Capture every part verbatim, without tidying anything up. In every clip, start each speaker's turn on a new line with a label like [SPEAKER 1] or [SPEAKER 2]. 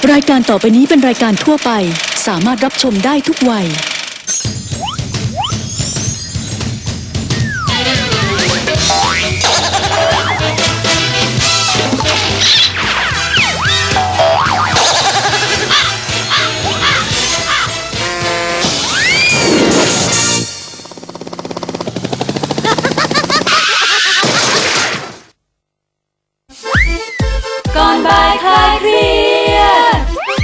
[SPEAKER 1] รายการต่อไปนี้เป็นรายการทั่วไปสามารถรับชมได้ทุกวัย
[SPEAKER 2] ก่อนบ่ายคลายเครียด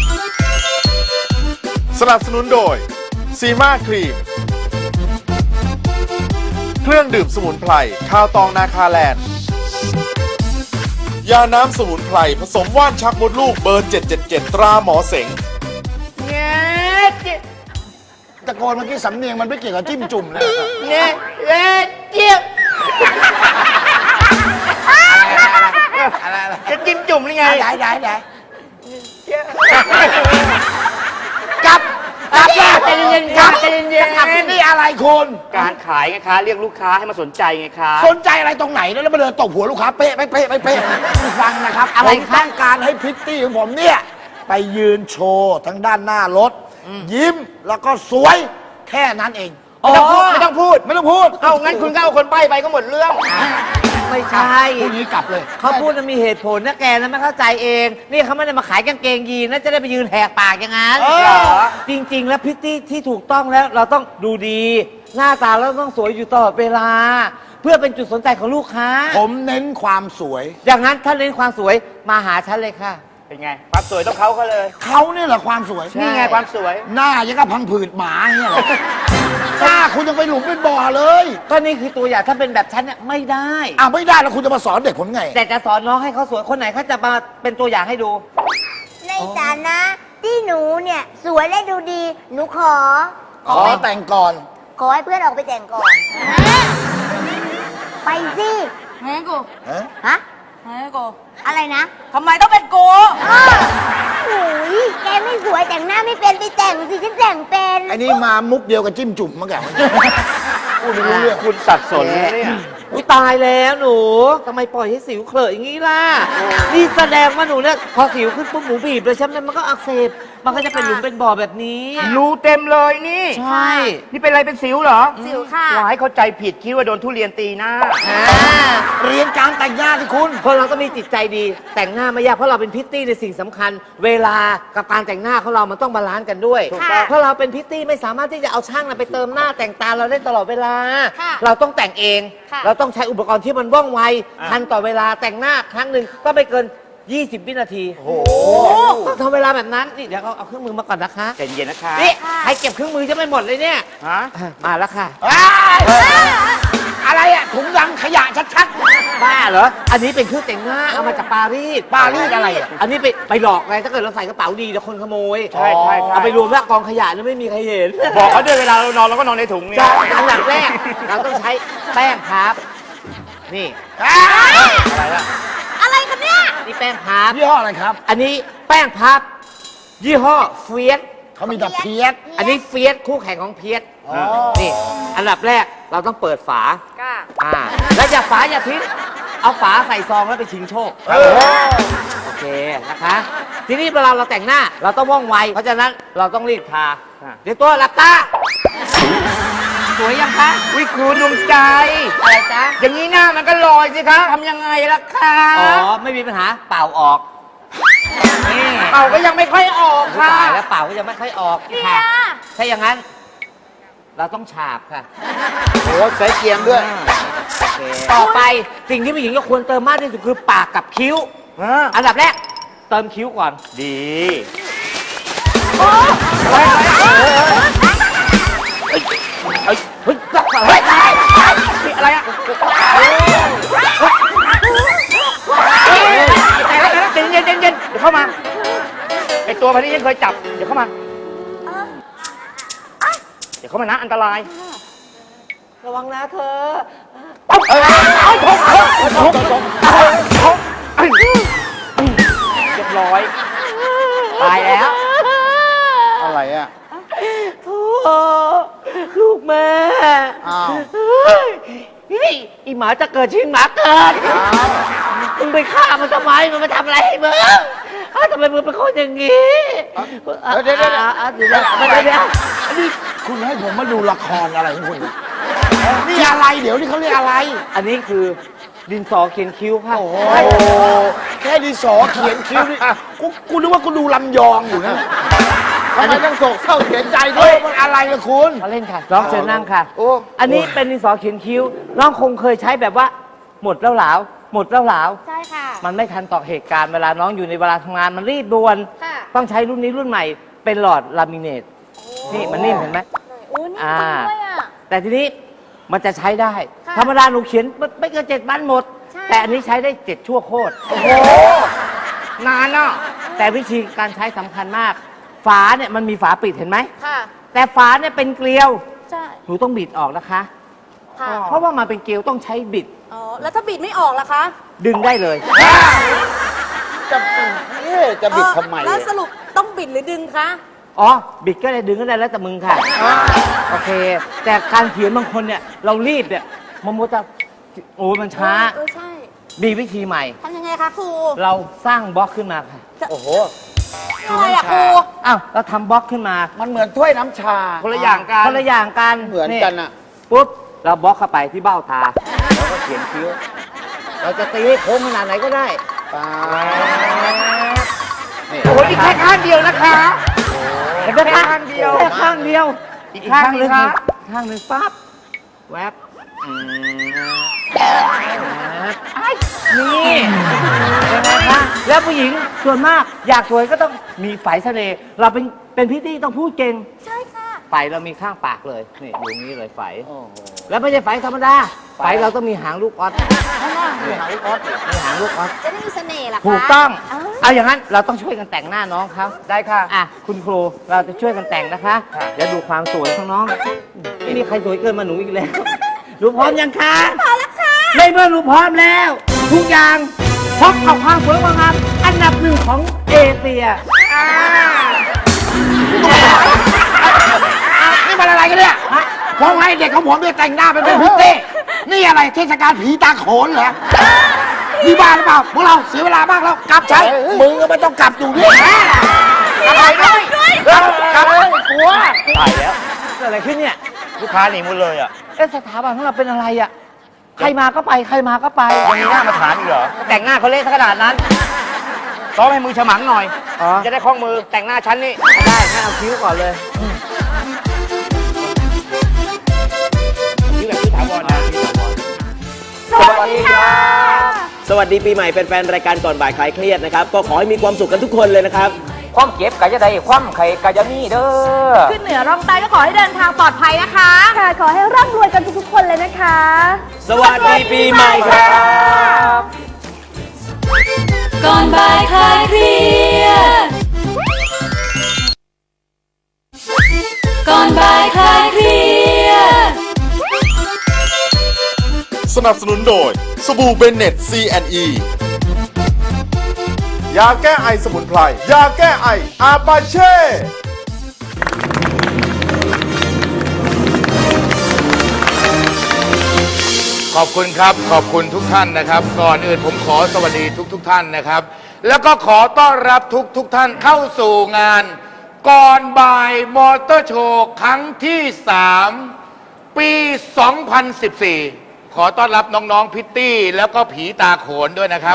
[SPEAKER 3] สนับสนุนโดยซีมาครีมเครื่องดื่มสมุนไพรข้าวตองนาคาแลนด์ยาน้ำสมุนไพรผสมว่านชักมดลูกเบอร์เจ็ดเจ็ดเจ็ดตราหมอเสง
[SPEAKER 4] เงี้ยตะโกนเมื่อกี้สำเนียงมันไม่เกี่ยวกับจิ้มจุ่มเลยเงี้ยเงี้ยเจี๊ยบอะไรอะไรจะจิ้มจุ่มหรือไงได้ได้ได้กลับกลับมาใจเย็นๆกลับใจเย็นๆกลับที่นี่อะไรคุณ
[SPEAKER 5] การขายไงคะเรียกลูกค้าให้มาสนใจไงคะ
[SPEAKER 4] สนใจอะไรตรงไหนแล้วมาเดินตบหัวลูกค้าเป๊ะไม่เป๊ะไม่เป๊ะฟังนะครับผมต้องการให้พริตตี้ของผมเนี่ยไปยืนโชว์ทั้งด้านหน้ารถยิ้มแล้วก็สวยแค่นั้นเองไม่ต้องพูดไม่ต้องพูดไม่ต้องพูด
[SPEAKER 5] เอางั้นคุณก็เอาคนใบ้ไปก็หมดเรื่อง
[SPEAKER 6] ไม่ใช่
[SPEAKER 4] พูดนี้กลับเลย
[SPEAKER 6] เขาพูดมันมีเหตุผลนะแกนะไม่เข้าใจเองนี่เขาไม่ได้มาขายกางเกงยีนนะจะได้ไปยืนแหกปากอย่างนั้นจริงๆแล้วพิตตี้ที่ถูกต้องแล้วเราต้องดูดีหน้าตาเราต้องสวยอยู่ตลอดเวลาเพื่อเป็นจุดสนใจของลูกค้า
[SPEAKER 4] ผมเน้นความสวย
[SPEAKER 6] อย่างนั้นถ้าเน้นความสวยมาหาฉันเลยค่ะ
[SPEAKER 5] เป็นไงความสวยต้องเขาเขาเลย
[SPEAKER 4] เขาเนี่ยแหละความสวย
[SPEAKER 5] นี่ไงความสวย
[SPEAKER 4] หน้ายังกับพังผืดหมาเนี่ยหน้าคุณยังไปหลุมเป็นบ่อเลย
[SPEAKER 6] ก็นี่คือตัวอย่างถ้าเป็นแบบฉันเนี่ยไม่ได้
[SPEAKER 4] อ่ะไม่ได้แล้วคุณจะมาสอนเด็กผมไง
[SPEAKER 6] แต่จะสอนน้องให้เขาสวยคนไหนเขาจะมาเป็นตัวอย่างให้ดู
[SPEAKER 7] ในฐานะที่หนูเนี่ยสวยและดูดีหนูขอ
[SPEAKER 4] ขอแต่งก่อน
[SPEAKER 7] ขอให้เพื่อนออกไปแต่งก่อนไปสิ
[SPEAKER 2] แม่กู
[SPEAKER 7] ฮะ
[SPEAKER 2] แม่กู
[SPEAKER 7] อะไรนะ
[SPEAKER 2] ทำไมต้องเป็นกู
[SPEAKER 7] โอ้ยแกไม่สวยแต่งหน้าไม่เป็นไปแต่งสิฉันแต่งเป็น
[SPEAKER 4] ไอ้นี่มามุกเดียวกับจิ้มจุ่มเมื่อกี้พูดไม่รู้เรื่อง
[SPEAKER 5] คุณสับสนเนี่ย
[SPEAKER 6] อุ้ยตายแล้วหนูทำไมปล่อยให้สิวเคลอะอย่างนี้ล่ะนี่แสดงว่าหนูเนี่ยพอสิวขึ้นปุ๊บหนูบีบเลยใช่ไหมมันก็อักเสบมันก็จะเป็นหลุมเป็นบ่อแบบนี้
[SPEAKER 5] รูเต็มเลยนี่
[SPEAKER 6] ใช่
[SPEAKER 5] นี่เป็นอะไรเป็นสิวเหรอ
[SPEAKER 7] สิวค่ะ
[SPEAKER 5] หลายเข้าใจผิดคิดว่าโดนทุเรียนตีหน้า
[SPEAKER 4] เรียนการแต่งหน้าที่คุณ
[SPEAKER 6] คนเราต้องมีจิตใจดีแต่งหน้าไม่ยากเพราะเราเป็นพิตตี้ในสิ่งสำคัญเวลากับการแต่งหน้าของเรามันต้องบาลานซ์กันด้วยเพราะเราเป็นพิตตี้ไม่สามารถที่จะเอาช่างไปเติมหน้าแต่งตาเราได้ตลอดเวลาเราต้องแต่งเองเราต้องใช้อุปกรณ์ที่มันว่องไวทันต่อเวลาแต่งหน้าครั้งหนึ่งก็ไม่เกินยี่สิบวินาทีโอ้โหต้องทำเวลาแบบนั้นนี่เดี๋ยวเอาเครื่องมือมาก่อนนะคะ
[SPEAKER 5] ใจเย็นนะคะ
[SPEAKER 6] นี่ให้เก็บเครื่องมือจะไม่หมดเลยเนี่ย
[SPEAKER 5] ฮะ
[SPEAKER 6] มาแล้วค่ะ
[SPEAKER 4] อะไรอ่ะถุงยังขยะชัด
[SPEAKER 6] ๆบ้าเหรออันนี้เป็นเครื่องแต่งหน้าเอามาจากปารีส
[SPEAKER 4] ปารีสอะไรอ่ะ
[SPEAKER 6] อันนี้ไปไปหลอกไงถ้าเกิดเราใส่กระเป๋าดีเดี๋ยวคนขโมย
[SPEAKER 5] ใช่ใช่
[SPEAKER 6] เอาไปรวมแล้วกองขยะแล้วไม่มีใครเห็น
[SPEAKER 5] บอกเขาด้วยเวลาเรานอนเราก็นอนในถุงนี่
[SPEAKER 6] อันดับแรกเราต้องใช้แป้งพับนี่
[SPEAKER 7] อะไรล่ะอะไรกันเนี่ย
[SPEAKER 6] นี่แป้งพับ
[SPEAKER 4] ยี่ห้ออะไรครับ
[SPEAKER 6] อันนี้แป้งพับยี่ห้อเฟียส
[SPEAKER 4] เขามีแต่เพียส
[SPEAKER 6] อันนี้เฟียสคู่แข่งของเพียสนี่อันดับแรกเราต้องเปิดฝาอ่าแล้วอย่าฝาอย่าทิ้งเอาฝาใส่ซองแล้วไปชิงโชคโอเคนะคะทีนี้เวลาเราแต่งหน้าเราต้องว่องไวเพราะฉะนั้นเราต้องรีบทาเดี๋ยวตัวหลับตาสวยยังคะ
[SPEAKER 5] วิครูดวงใจ
[SPEAKER 6] อะไรจ๊ะ
[SPEAKER 5] อย่างนี้หน้ามันก็ลอยสิคะทำยังไงล่ะคะ
[SPEAKER 6] อ๋อไม่มีปัญหาเป่าออก
[SPEAKER 5] นี่เป่าก็ยังไม่ค่อยออกค่ะ
[SPEAKER 6] แล้วเป่าก็ยังไม่ค่อยออกค่ะถ้าอย่างนั้นเราต้องฉาบค่ะ
[SPEAKER 4] โอ้ใส่เกียงด้วย
[SPEAKER 6] ต่อไปสิ่งที่ผู้หญิงเราควรเติมมากที่สุดคือปากกับคิ้วอันดับแรกเติมคิ้วก่อน
[SPEAKER 5] ดี
[SPEAKER 6] โอ้เฮ้ยเฮ้ยเฮ้ยเฮ้ย
[SPEAKER 5] อะไรอะเย็นเย็นเย็นเย็นเดี๋ยวเข้ามาไอตัวพันนี้ยังเคยจับเดี๋ยวเข้ามาเดี๋ยวเข้ามานะอันตราย
[SPEAKER 6] ระวังนะเธอ
[SPEAKER 5] เรียบร้อยตายแล้ว
[SPEAKER 4] อะไรอ่ะ
[SPEAKER 6] โธ่ลูกแม่
[SPEAKER 4] อ้าว
[SPEAKER 6] อีหมาจะเกิดชิงหมาเกิดมึงไปฆ่ามันทำไมมันมาทำอะไรให้มึงเอ้าทำไมมึงเป็นคนอย่างงี้
[SPEAKER 4] เดี๋ยวเดี๋ยวเดี๋ยว
[SPEAKER 6] อ่ะเดี๋ยวเดี๋ยวเดี๋ยวเดี๋ยว
[SPEAKER 4] อันนี้คุณให้ผมมาดูละครอะไรของคุณเนี่ยนี่อะไรเดี๋ยวนี่เขาเรียกอะไร
[SPEAKER 6] อันนี้คือดินสอเขียนคิ้วค่ะ
[SPEAKER 4] โอ้โหแค่ดินสอเขียนคิ้วนี่กูกูนึกว่ากูดูลำยองอยู่นะทำไมต้องโศกเศร้าเสียใจด้วยมันอะไรล่ะคุณ
[SPEAKER 6] มาเล่นค่ะน้องเชิญนั่งค่ะ
[SPEAKER 4] โอ้
[SPEAKER 6] อันนี้เป็นดินสอเขียนคิ้วน้องคงเคยใช้แบบว่า หมดแล้วหลาว หมดแล้วหลาว
[SPEAKER 7] ใช่ค่ะ
[SPEAKER 6] มันไม่ทันต่อเหตุการณ์เวลาน้องอยู่ในเวลาทำงานมันรีบด่วน
[SPEAKER 7] ค่ะ
[SPEAKER 6] ต้องใช้รุ่นนี้รุ่นใหม่ เป็นหลอดลามิเนตนี่มันนิ่มเห็นไหม
[SPEAKER 7] โอ้นี่
[SPEAKER 6] อ่า
[SPEAKER 7] จริงด้วยอ่ะ
[SPEAKER 6] แต่ทีนี้มันจะใช้ได้
[SPEAKER 7] ค่ะ
[SPEAKER 6] ธรรมดาหนูเขียนไม่ไม่เกินเจ็ดวันหมด
[SPEAKER 7] ใช่
[SPEAKER 6] แต่อันนี้ใช้ได้เจ็ดชั่วโคตร
[SPEAKER 4] โอ้โห
[SPEAKER 6] นานเนาะแต่วิธีการใช้สำคัญมาก ฝาเนี่ยมันมีฝาปิดเห็นไหม
[SPEAKER 7] ค่ะ
[SPEAKER 6] แต่ฝาเนี่ยเป็นเกลียว
[SPEAKER 7] ใช่
[SPEAKER 6] หนูต้องบิดออกนะคะ
[SPEAKER 7] ค่ะ
[SPEAKER 6] เพราะว่ามันเป็นเกลียวต้องใช้บิด
[SPEAKER 2] อ๋อ แล้วถ้าบิดไม่ออกล่ะคะ
[SPEAKER 6] ดึงได้เลย
[SPEAKER 4] จะเอ๊ะจะบิดทำไม
[SPEAKER 2] เออแล้วสรุปต้องบิดหรือดึงคะ
[SPEAKER 6] อ๋อ บิดก็ได้ดึงก็ได้แล้วแต่มึงค่ะ โอเค แต่การเขียนบางคนเนี่ย เรารีบเนี่ยมันมัวจะโอ้ยมันช้า
[SPEAKER 2] เออใช่
[SPEAKER 6] มีวิธีใหม่
[SPEAKER 2] ทำยังไงคะครู
[SPEAKER 6] เราสร้างบล็อกขึ้นมาค่ะ
[SPEAKER 4] โอ้โห
[SPEAKER 2] อะไรอะครู
[SPEAKER 6] อ้าว เราทำบล็อกขึ้นมา
[SPEAKER 4] มันเหมือนถ้วยน้ำชา
[SPEAKER 5] คนละอย่างกัน
[SPEAKER 6] คนละอย่างกัน
[SPEAKER 4] เหมือนกันอะ
[SPEAKER 6] ปุ๊บ เราบล็อกเข้าไปที่เบ้าตา แล้วก็เขียนคิ้ว เราจะตีให้โค้งขนาดไหนก็ได้
[SPEAKER 5] โอ้โหนี่แค่ข้างเดียวนะคะ
[SPEAKER 6] เห็นไหมคะ
[SPEAKER 5] แค่ข้างเดียว
[SPEAKER 6] แค่ข้างเดียว
[SPEAKER 5] อีกข้างหนึ่ง
[SPEAKER 6] ห
[SPEAKER 5] คะ
[SPEAKER 6] ข้างหนึ่งปั๊บแวบอืมแวบไอ้นี่เห็นไหมคะแล้วผู้หญิงส่วนมากอยากสวยก็ต้องมีไฝเสน่ห์เราเป็นเป็นพิตตี้ต้องพูดเก่ง
[SPEAKER 7] ใช่ค่ะ
[SPEAKER 6] ไฝเรามีข้างปากเลยนี่อยู่นี้เลยไฝแล้วไม่ใช่ไฝธรรมดาไฝเราต้องมีหางลูกออสมีหางลูกออสมีหางลูกออส
[SPEAKER 7] จะได้มีเสน่ห์เหรอคะ
[SPEAKER 6] ถูกต้อง
[SPEAKER 7] อ้าว
[SPEAKER 6] เอาอย่างนั้นเราต้องช่วยกันแต่งหน้าน้องเขา
[SPEAKER 5] ได้ค่ะ
[SPEAKER 6] อ่ะคุณครูเราจะช่วยกันแต่งนะคะเดี๋ยวดูความสวยของน้องไม่มีใครสวยเกินมาหนูอีกแล้วหนูพร้อมยังคะพร้อมแล้วค่ะในเมื่อหนูพร้อมแล้ว ทุกอย่างพบกับความสวยความงามอันดับหนึ่งของเอเชีย
[SPEAKER 4] นี่มันอะไรกันเนี่ยผมให้เด็กของผมเนี่ยแต่งหน้าเป็นพิตตี้นี่อะไรเทศกาลผีตาโขนเหรอนี่บ้าหรือเปล่าพวกเราเสียเวลามากแล้วกลับใช้มึงก็ไม่ต้องกลับอยู่ด้วยอะไรด้วยกลับเลยกลัว
[SPEAKER 5] ตายแล้ว
[SPEAKER 6] เกิดอะไรขึ้นเนี่ย
[SPEAKER 5] ลูกค้าหนีหมดเลยอ่ะ
[SPEAKER 6] เอ๊ะสถาบันของเราเป็นอะไรอ่ะใครมาก็ไปใครมาก็ไป
[SPEAKER 5] ยังมีหน้ามาถามอีกเหรอ
[SPEAKER 6] แต่งหน้าเขาเละขนาดนั้น
[SPEAKER 5] ซ้อมให้มือฉมังหน่อย
[SPEAKER 6] อ๋อ
[SPEAKER 5] จะได้คล่องมือแต่งหน้าชั้นนี่
[SPEAKER 6] ได้งั้นเอาคิ้วก่อนเลย
[SPEAKER 5] นี่แบบที่ถาวรนะ
[SPEAKER 8] สวัสดีค่ะ สวัสดีปีใหม่แฟนๆรายการก่อนบ่ายคลายเครียดนะครับ ก็ขอให้มีความสุขกันทุกคนเลยนะครับ
[SPEAKER 5] ความเก็บกะจะได้ความไข่กะจะมีเด้อ
[SPEAKER 2] ขึ้นเหนือร่องใต้ก็ขอให้เดินทางปลอดภัยนะคะ
[SPEAKER 7] ค่ะ ขอให้ร่ำรวยกันทุกๆคนเลยนะคะ
[SPEAKER 8] สวัสดีปีใหม่ครับ
[SPEAKER 1] ก่อนบ่ายคลายเครียดก่อนบ่ายคลายเครียด
[SPEAKER 3] สนับสนุนโดยสบู่เบนเน็ต ซี แอนด์ อี ยาแก้ไอสมุนไพร ยาแก้ไออาปาเช่
[SPEAKER 9] ขอบคุณครับ ขอบคุณทุกท่านนะครับ ก่อนอื่นผมขอสวัสดีทุกทุกๆท่านนะครับ แล้วก็ขอต้อนรับทุกทุกๆท่านเข้าสู่งาน ก่อนบ่ายมอเตอร์โชว์ครั้งที่ สาม ปี สองพันสิบสี่ ขอต้อนรับน้องๆพิตตี้ แล้วก็ผีตาโขนด้วยนะครับ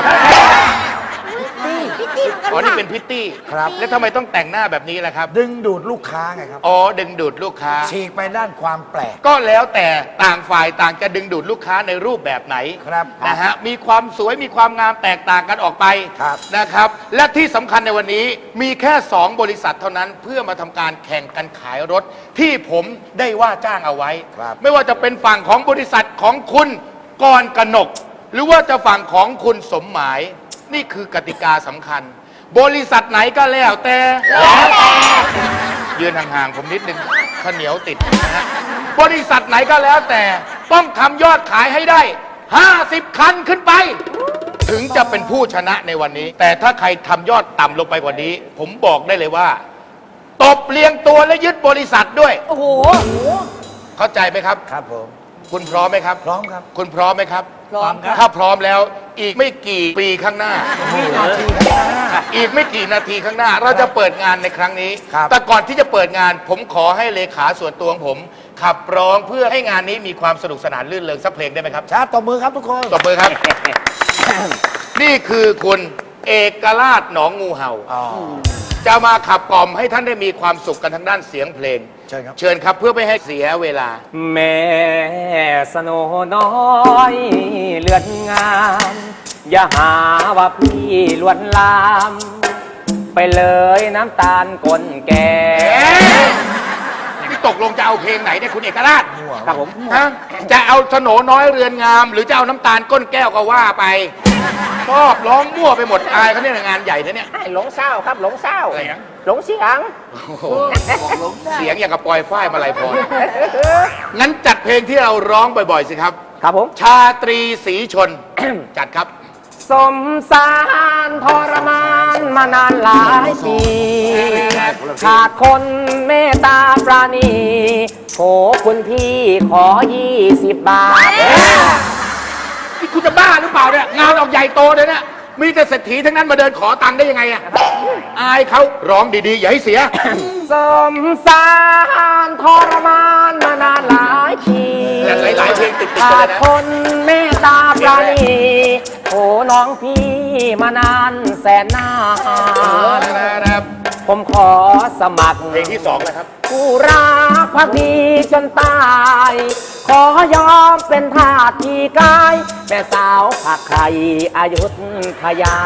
[SPEAKER 7] พี่ตี้เหมือนกัน
[SPEAKER 9] อ๋อนี่
[SPEAKER 7] ค่ะ
[SPEAKER 9] เป็นพิตตี้
[SPEAKER 4] ครับ
[SPEAKER 9] แล้วทำไมต้องแต่งหน้าแบบนี้ล่ะครับ
[SPEAKER 4] ดึงดูดลูกค้าไงครับ
[SPEAKER 9] อ๋อดึงดูดลูกค้า
[SPEAKER 4] ฉีกไปด้านความแปลก
[SPEAKER 9] ก็แล้วแต่ต่างฝ่ายต่างจะดึงดูดลูกค้าในรูปแบบไหน
[SPEAKER 4] ครับ
[SPEAKER 9] นะฮะมีความสวยมีความงามแตกต่างกันออกไป
[SPEAKER 4] ครับ
[SPEAKER 9] นะครับ และที่สำคัญในวันนี้มีแค่สองบริษัทเท่านั้นเพื่อมาทำการแข่งกันขายรถ ที่ผมได้ว่าจ้างเอาไว้
[SPEAKER 4] ครับ
[SPEAKER 9] ไม่ว่าจะเป็นฝั่งของบริษัทของคุณกรกนก หรือว่าจะฝั่งของคุณสมหมาย นี่คือกติกาสำคัญ บริษัทไหนก็แล้วแต่แล้วแต่ยืนห่างๆผมนิดนึงข้าวเหนียวติดนะฮะบริษัทไหนก็แล้วแต่ต้องทำยอดขายให้ได้ ห้าสิบ คันขึ้นไป ถึงจะเป็นผู้ชนะในวันนี้ แต่ถ้าใครทำยอดต่ำลงไปกว่านี้ ผมบอกได้เลยว่า ตบเลียงตัวและยึดบริษัทด้วย
[SPEAKER 2] โอ้โห
[SPEAKER 9] เข้าใจไหมครับ
[SPEAKER 4] ครับผม
[SPEAKER 9] คุณพร้อมไหมครับ
[SPEAKER 4] พร้อมครับ
[SPEAKER 9] คุณพร้อมไหมครับ
[SPEAKER 1] พร้อมครับ
[SPEAKER 9] ถ้าพร้อมแล้วอีกไม่กี่ปีข้างหน้า อีกไม่กี่นาทีข้างหน้า เราจะเปิดงานในครั้งนี้
[SPEAKER 4] ครับ
[SPEAKER 9] แต่ก่อนที่จะเปิดงาน ผมขอให้เลขาส่วนตัวของผม ขับร้องเพื่อให้งานนี้มีความสนุกสนานลื่นเริงสักเพลงได้ไหมครับ
[SPEAKER 4] ชาร์ตตบมือครับทุกคน
[SPEAKER 9] ตบมือครับ นี่คือคุณเอกราชหนองงูเห่า จะมาขับกล่อมให้ท่านได้มีความสุขกันทางด้านเสียงเพลง
[SPEAKER 4] เชิญครับ
[SPEAKER 9] เชิญครับเพื่อไม่ให้เสียเวลา
[SPEAKER 6] แม่สโนน้อยเลือนงาม อย่าหาว่าพี่ลวนลาม ไปเลยน้ำตาลกลแก่
[SPEAKER 9] นี่ตกลงจะเอาเพลงไหนเนี่ยคุณเอกราช
[SPEAKER 6] ครับผม
[SPEAKER 9] ฮะจะเอาสโหนน้อยเรือนงาม หรือจะเอาน้ำตาลก้นแก้วก็ว่าไปชอบร้องมั่วไปหมดอายเขาเนี่ยงานใหญ่นะเนี่ย
[SPEAKER 5] หลงเศร้าครับหลงเศร้า
[SPEAKER 9] เสียง
[SPEAKER 5] หลงเสียง
[SPEAKER 9] เสียงอย่างกับปล่อยฝ้ายมาลายพรงั้นจัดเพลงที่เราร้องบ่อยๆสิครับ
[SPEAKER 6] ครับผม
[SPEAKER 9] ชาตรีศรีชน จัดครับ
[SPEAKER 6] สมสารทรมานมานานหลายปีขาดคนเมตตาปราณีโถคุณพี่ขอยี่สิบบาท
[SPEAKER 9] นี่คุณจะบ้าหรือเปล่าเนี่ยงานออกใหญ่โตเลยเนี่ยมีแต่เศรษฐีทั้งนั้นมาเดินขอตังค์ได้ยังไงอะอายเขาร้องดีๆ อย่าให้เสีย
[SPEAKER 6] สมสารทรมานมานานหลายปี
[SPEAKER 9] หลายๆเพลงติดๆกัน
[SPEAKER 6] ขา
[SPEAKER 9] เล
[SPEAKER 6] ด
[SPEAKER 9] ยนะ
[SPEAKER 6] คนเมตตาปราณีโอ้น้องพี่มานานแสนนาน
[SPEAKER 9] นะครับ
[SPEAKER 6] ผมขอสมัคร
[SPEAKER 9] เพลงที่สองแล้วครับ
[SPEAKER 6] ผู้รักพักดีจนตาย ขอยอมเป็นทาสที่กายแม่สาวผักไข่อายุทยา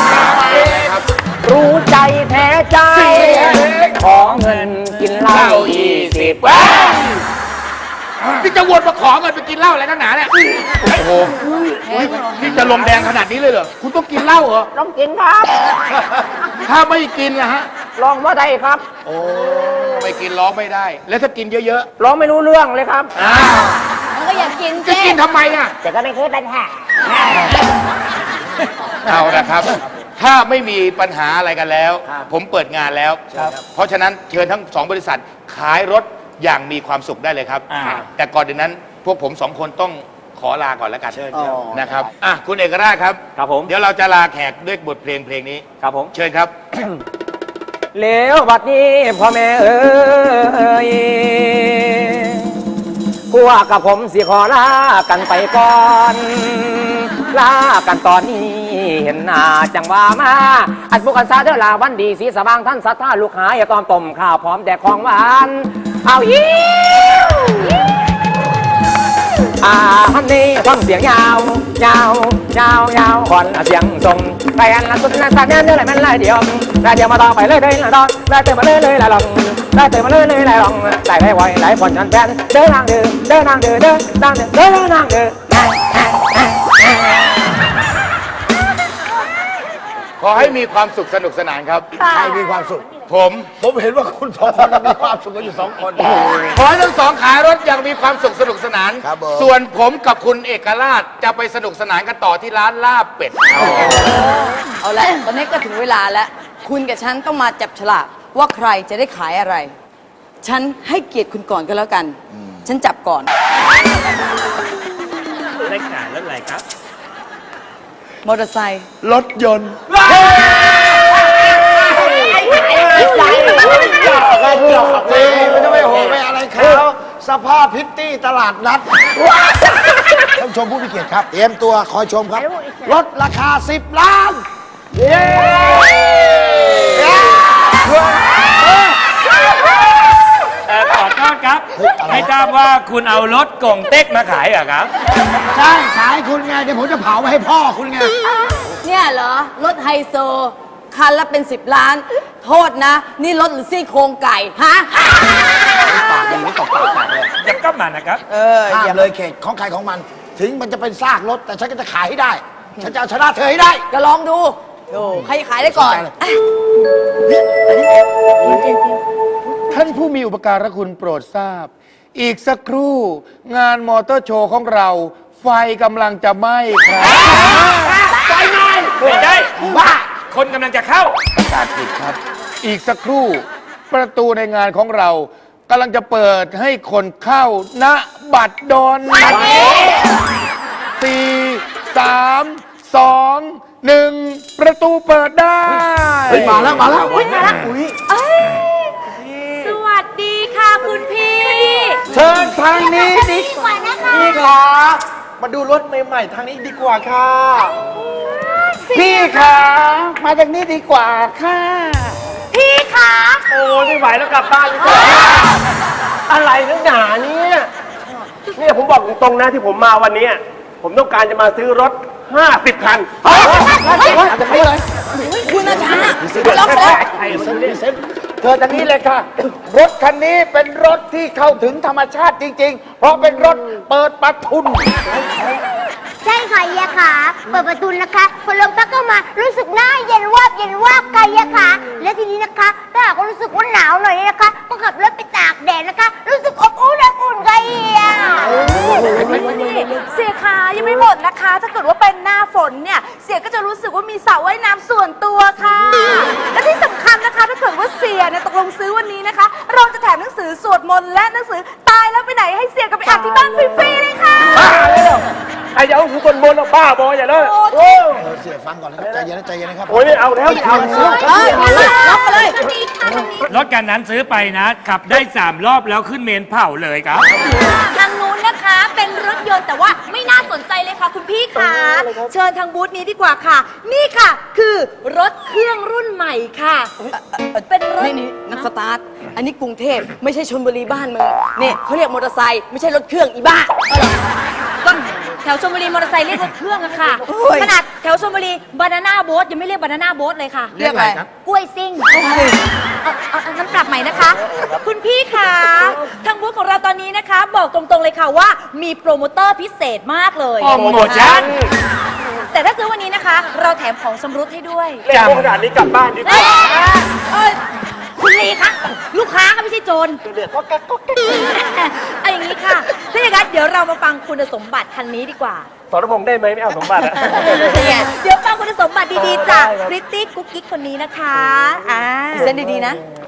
[SPEAKER 6] รู้ใจแท้ใจ ขอเงินกินเหล้ายี่สิบ
[SPEAKER 9] ที่จะวนมาขอเงินไปกินเหล้าอะไรนักหนาเนี่ย โอ้โหนี่จะลมแดงขนาดนี้เลยเหรอ คุณต้องกินเหล้าเหรอ
[SPEAKER 5] ต้องกินครับ
[SPEAKER 9] ถ้าไม่กินล่ะฮะ
[SPEAKER 5] ลองว่าได้ครับ
[SPEAKER 9] โอ้ไม่กินร้องไม่ได้ แล้วถ้ากินเยอะ
[SPEAKER 5] ลองไม่รู้เรื่องเลยครับ
[SPEAKER 9] ๆอ้าว
[SPEAKER 2] มันก็อยากกิน
[SPEAKER 9] จะ
[SPEAKER 2] เจ๊
[SPEAKER 9] กินทำไมอ่ะ
[SPEAKER 5] แต่ก็ไม่เคยปัญหา
[SPEAKER 9] เอาละครับ ถ้าไม่มีปัญหาอะไรกันแล้ว ผมเปิดงานแล้ว เพราะฉะนั้นเชิญทั้งสองบริษัทขายรถอย่างมีความสุขได้เลยครับ แต่ก่อนเดี๋ยวนั้นพวกผมสองคนต้องขอลาก่อนแล้วกันนะครับอ่ะคุณเอกราชครับ
[SPEAKER 6] ครับผม
[SPEAKER 9] เดี๋ยวเราจะลาแขกด้วยบทเพลงเพลงนี้
[SPEAKER 6] ครับผม
[SPEAKER 9] เชิญครับ
[SPEAKER 6] เลวบัดนี้พ่อแม่เอ้ยพวกกับผมสิขอลากันไปก่อน ลากันตอนนี้เห็นหน้าจังว่ามาอันพวกกันซาเดอลาวันดีสีสว่างท่านสัทธาลูกหายตอมต้มข้าวพร้อมแดกของหวานเอายิ้วอ่าฮันนี่ฟังเสียงยาวยาวยาวยาวก่อนเสียงทรงไปอันละสุดนะสักแน่เนื้ออะไรมันลายเดียวลายเดียวมาต่อไปเลยเลยละดอนลายเติมมาเลยเลยละลองลายเติมมาเลยเลยละลองลายไปไวลายผ่อนชันแฟนเดินทางเดินเดินทางเดินเดินทางเดินเดินทางเดิน
[SPEAKER 9] ขอให้มีความสุขสนุกสนานครับ
[SPEAKER 4] ใครมีความสุข
[SPEAKER 9] ผม
[SPEAKER 4] ผมเห็นว่าคุณสองคนมีความสุขกันอยู่สองคน
[SPEAKER 9] ขอให้ทั้งสองขายรถอย่างมีความสุขสนุกสนาน
[SPEAKER 4] ครับผม
[SPEAKER 9] ส่วนผมกับคุณเอกราชจะไปสนุกสนานกันต่อที่ร้านลาบเป็ด
[SPEAKER 1] เอาละตอนนี้ก็ถึงเวลาแล้ว คุณกับฉันต้องมาจับฉลากว่าใครจะได้ขายอะไร ฉันให้เกียรติคุณก่อนก็แล้วกัน ฉันจับก่อน
[SPEAKER 6] ได้ขายรถอะไรครับ
[SPEAKER 1] มอเตอร์ไซค์
[SPEAKER 4] รถยนต์ ไม่ต้องไปโหไปอะไรเขาสภาพพิตตี้ตลาดนัดท่านผู้ชมผู้มีเกียรติครับ เตรียมตัวคอยชมครับ รถราคาสิบล้าน
[SPEAKER 10] ขอโทษครับ ไม่ทราบว่าคุณเอารถกงเต็กมาขายเหรอครับ
[SPEAKER 4] ใช่ขายคุณไง เดี๋ยวผมจะเผาไว้ให้พ่อคุณไง
[SPEAKER 1] เนี่ยเหรอ รถไฮโซ คันละเป็นสิบล้าน โทษนะ นี่รถหรือซี่โครงไก่ ฮะ
[SPEAKER 4] ปากอย่างนี้ตบปากปากเลย
[SPEAKER 10] จะก็มานะครับ
[SPEAKER 1] เออ
[SPEAKER 4] ห้า
[SPEAKER 1] อย่าม
[SPEAKER 4] เลยเขตของใครของมัน ถึงมันจะเป็นซากรถ แต่ฉันก็จะขายให้ได้ ฉันจะเอาชนะเธอให้ได้
[SPEAKER 1] ก็ลองดูโอ้ใครขายได้ก่อน
[SPEAKER 4] สนใจเลย
[SPEAKER 1] อ่ะ
[SPEAKER 9] ท่านผู้มีอุปการะคุณโปรดทราบ อีกสักครู่ งานมอเตอร์โชว์ของเรา ไฟกำลังจะไหม้ครับ
[SPEAKER 10] ไม่ได้บ้า คนกำลังจะเข้า
[SPEAKER 9] ประกาศผิดครับ อีกสักครู่ ประตูในงานของเรากำลังจะเปิดให้คนเข้าณบัตรดลสี่สามสองหนึ่งประตูเปิดได้
[SPEAKER 4] มาแล้วมาแล้ว
[SPEAKER 2] สวัสดีค่ะคุณพี่
[SPEAKER 9] เชิญทางนี้ดิ
[SPEAKER 7] กว่านะคะ
[SPEAKER 5] พี่คะมาดูรถใหม่ๆทางนี้ดีกว่าค่ะ
[SPEAKER 9] พี่ขามาทางนี้ดีกว่าค่ะ
[SPEAKER 2] พี่คะ
[SPEAKER 5] โอ้ไม่ไหวแล้วกลับบ้านดีกว่าอะไรนักหนาเนี่ยเนี่ยผมบอกตรงๆนะที่ผมมาวันนี้ ผมต้องการจะมาซื้อรถห้าสิบคัน
[SPEAKER 1] คุณอาจารย์ล็อกแล้ว
[SPEAKER 9] เธอทางนี้เลยค่ะ รถคันนี้เป็นรถที่เข้าถึงธรรมชาติจริงๆ เพราะเป็นรถเปิดประทุน
[SPEAKER 7] ใช่ค่ะเฮียค่ะเปิดประตูนะคะพอลมพัดเข้ามารู้สึกหน้าเย็นวาบเย็นวาบค่ะเฮียค่ะและทีนี้นะคะถ้าหากว่ารู้สึกว่าหนาวหน่อยนะคะก็ขับรถไปตากแดดนะคะ รู้สึกอบอุ่นอบอุ่นค่ะเฮีย
[SPEAKER 2] เสียขายังไม่หมดนะคะ ถ้าเกิดว่าเป็นหน้าฝนเนี่ย เสียก็จะรู้สึกว่ามีสระว่ายน้ำส่วนตัวค่ะ และที่สำคัญนะคะ ถ้าเกิดว่าเสียเนี่ยตกลงซื้อวันนี้นะคะ เราจะแถมหนังสือสวดมนต์และหนังสือตายแล้วไปไหนให้เสียกับไปอ่านที่บ้านฟรีๆเลยค่ะ
[SPEAKER 5] ไอ้เดี๋ยวคือคนบนบ้าบออย่าเลย
[SPEAKER 4] เออเสียฟังก่อนนะครับใจเย็นนะใจเย็นนะครับ
[SPEAKER 5] โอ้ยไม่เอาแล้วไม่เอาแล้ว
[SPEAKER 1] เอ้ยมาเลยล็อกไปเลย
[SPEAKER 10] รถกันนั้นซื้อไปนะ ขับได้สามรอบแล้วขึ้นเมนเผาเลยครับ
[SPEAKER 2] ทางนู้นนะคะเป็นรถยนต์แต่ว่าไม่น่าสนใจเลยค่ะคุณพี่ค่ะเชิญทางบูธนี้ดีกว่าค่ะ นี่ค่ะคือรถเครื่องรุ่นใหม่ค่ะเป็นรถ
[SPEAKER 1] นี่นี่นักสตาร์ท อันนี้กรุงเทพไม่ใช่ชลบุรีบ้านมึงเนี่ยเขาเรียกมอเตอร์ไซค์ไม่ใช่รถเครื่องอีบ้า
[SPEAKER 2] ก็แถวชลบุรีมอเตอร์ไซค์เรียกรถเครื่องอะค่ะ
[SPEAKER 1] โอ้ย
[SPEAKER 2] ขนาดแถวชลบุรีบานาน่าโบ๊ทยังไม่เรียกบานาน่าโบ๊ทเลยค่ะ
[SPEAKER 1] เรียกอะไร
[SPEAKER 2] กล้วยซิ่งเอาเอาเอาน้ำปรับใหม่นะคะ คุณพี่คะทางบูธของเราตอนนี้นะคะ บอกตรงๆเลยค่ะว่ามีโปรโมเตอร์พิเศษมากเลย
[SPEAKER 10] โปรโมชั่น
[SPEAKER 2] แต่ถ้าซื้อวันนี้นะคะ เราแถมของชำรุดให้ด้วย
[SPEAKER 5] เล่นขนาดนี้กลับบ้านดีกว่า
[SPEAKER 2] เอ้ยคุณลีคะลูกค้าค่ะไม่ใช่โจรเอาอย่างนี้ค่ะถ้าอย่างนั้นเดี๋ยวเรามาฟังคุณสมบัติคันนี้ดีกว่า
[SPEAKER 5] สรพงษ์ได้ไหมไม่เอาสมบัติอะ
[SPEAKER 2] เดี๋ยวฟังคุณสมบัติดีๆจากพริตตี้กุ๊กกิ๊กคนนี้นะคะอ่า
[SPEAKER 1] เส้นดีๆนะ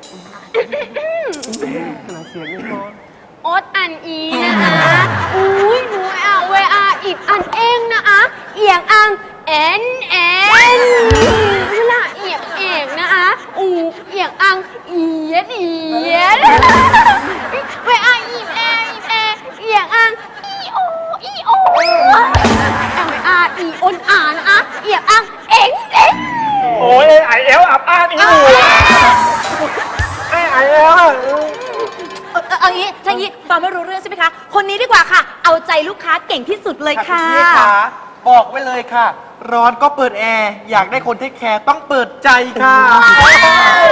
[SPEAKER 7] อดอันอีนะคะอุ้ยหนูอ่ะเวอาอิดอันเองนะอะเอียงอังเอ็นเอ็นนี่ละเอียงเอกนะคะอูเอียงอังเอียดเอียดเวอาอิดแออิดแอเอียงอังอีโออีโอเวอาอีอนอ่านอะเอียงอังเอ็งเอ็ง
[SPEAKER 5] โอ้ยไอเอลอับอ้านอีหนูไอไอเอล
[SPEAKER 2] เออเอางี้ถ้างี้ฟังไม่รู้เรื่องใช่ไหมคะ คนนี้ดีกว่าค่ะ เอาใจลูกค้าเก่งที่สุดเลยค่ะ
[SPEAKER 11] พี่ขาบอกไว้เลยค่ะ ร้อนก็เปิดแอร์ อยากได้คนเทคแคร์ต้องเปิดใจค่ะ